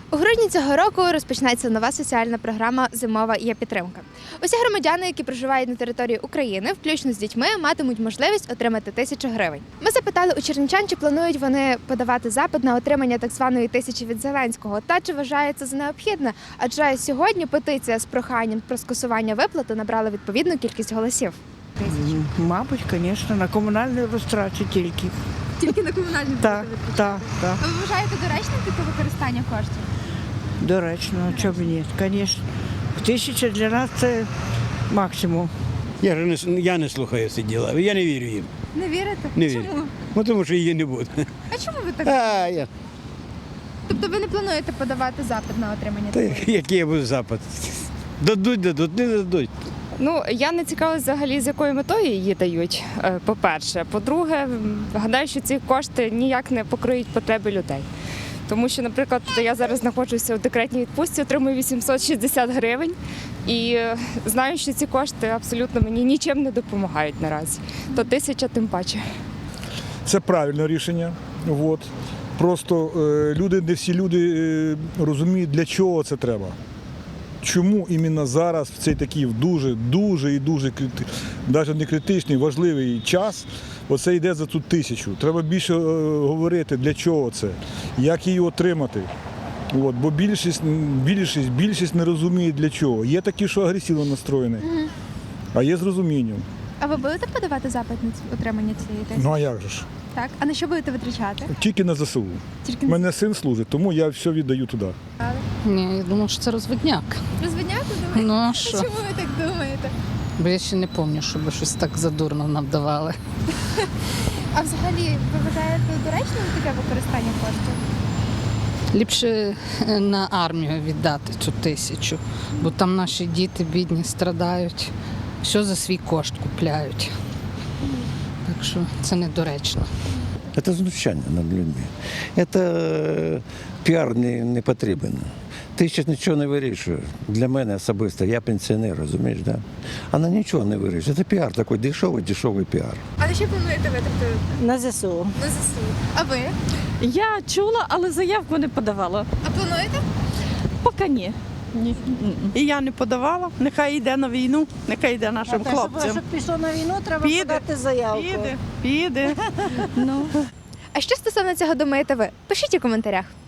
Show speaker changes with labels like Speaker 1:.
Speaker 1: У грудні цього року розпочнеться нова соціальна програма «Зимова є-підтримка». Усі громадяни, які проживають на території України, включно з дітьми, матимуть можливість отримати 1000 гривень. Ми запитали у чернівчан, чи планують вони подавати запит на отримання так званої 1000 від Зеленського, та чи вважає це за необхідне, адже сьогодні петиція з проханням про скасування виплати набрала відповідну кількість голосів.
Speaker 2: Мабуть, звісно, на комунальні розтрачі тільки.
Speaker 1: Тільки на комунальні
Speaker 2: Так.
Speaker 1: Ви вважаєте доречним таке використання коштів?
Speaker 2: Доречно, чому ні, звісно. 1000 для нас це максимум.
Speaker 3: Я не слухаю ці діла, я не вірю їм.
Speaker 1: Не вірите?
Speaker 3: Не вірю.
Speaker 1: Чому?
Speaker 3: Ну, тому що її не буде.
Speaker 1: А чому ви так?
Speaker 3: Я.
Speaker 1: Тобто ви не плануєте подавати запит на отримання
Speaker 3: Та
Speaker 1: такої?
Speaker 3: який я буду запит? Дадуть, не дадуть.
Speaker 4: Ну, я не цікавилася взагалі, з якою метою її дають, по-перше. По-друге, гадаю, що ці кошти ніяк не покриють потреби людей. Тому що, наприклад, я зараз знаходжуся у декретній відпустці, отримую 860 гривень і знаю, що ці кошти абсолютно мені нічим не допомагають наразі. То 1000 тим паче.
Speaker 5: Це правильне рішення. От. Просто не всі люди розуміють, для чого це треба. Чому іменно зараз, в цей такий дуже навіть не критичний, важливий час, оце йде за ту 1000. Треба більше говорити, для чого це, як її отримати. От, бо більшість не розуміє, для чого. Є такі, що агресивно настроєні, а є з розумінням.
Speaker 1: А ви будете подавати запит на отримання цієї 1000?
Speaker 5: Ну а як же ж?
Speaker 1: Так. А на що будете витрачати?
Speaker 5: Тільки на ЗСУ.
Speaker 1: Тільки
Speaker 5: У мене син служить, тому я все віддаю туди.
Speaker 6: Ні, я думаю, що це розводняк.
Speaker 1: Розвидняти думаєте?
Speaker 6: Ну а
Speaker 1: А
Speaker 6: що?
Speaker 1: чому ви так думаєте?
Speaker 6: Бо я ще не пам'ятаю, щоб щось так задурно нам давали.
Speaker 1: А взагалі, ви вважаєте доречним таке використання коштів?
Speaker 6: Ліпше на армію віддати цю 1000, бо там наші діти бідні страдають, все за свій кошт купляють. Так що це недоречно.
Speaker 7: Це знущання над людьми. Це піар не потрібен. 1000 нічого не вирішує. Для мене особисто, я пенсіонер, розумієш, да? Вона нічого не вирішує. Це піар такий дешевий піар.
Speaker 1: А на що плануєте витратити?
Speaker 8: На ЗСУ.
Speaker 1: На ЗСУ. А ви?
Speaker 8: Я чула, але заявку не подавала.
Speaker 1: А плануєте?
Speaker 8: Поки ні. Ні.
Speaker 2: І я не подавала. Нехай йде на війну, нехай йде нашим хлопцям.
Speaker 8: Щоб пішло на війну, треба
Speaker 2: Піде,
Speaker 8: подати заявку.
Speaker 2: Піде.
Speaker 1: А що стосовно цього думаєте ви? Пишіть у коментарях.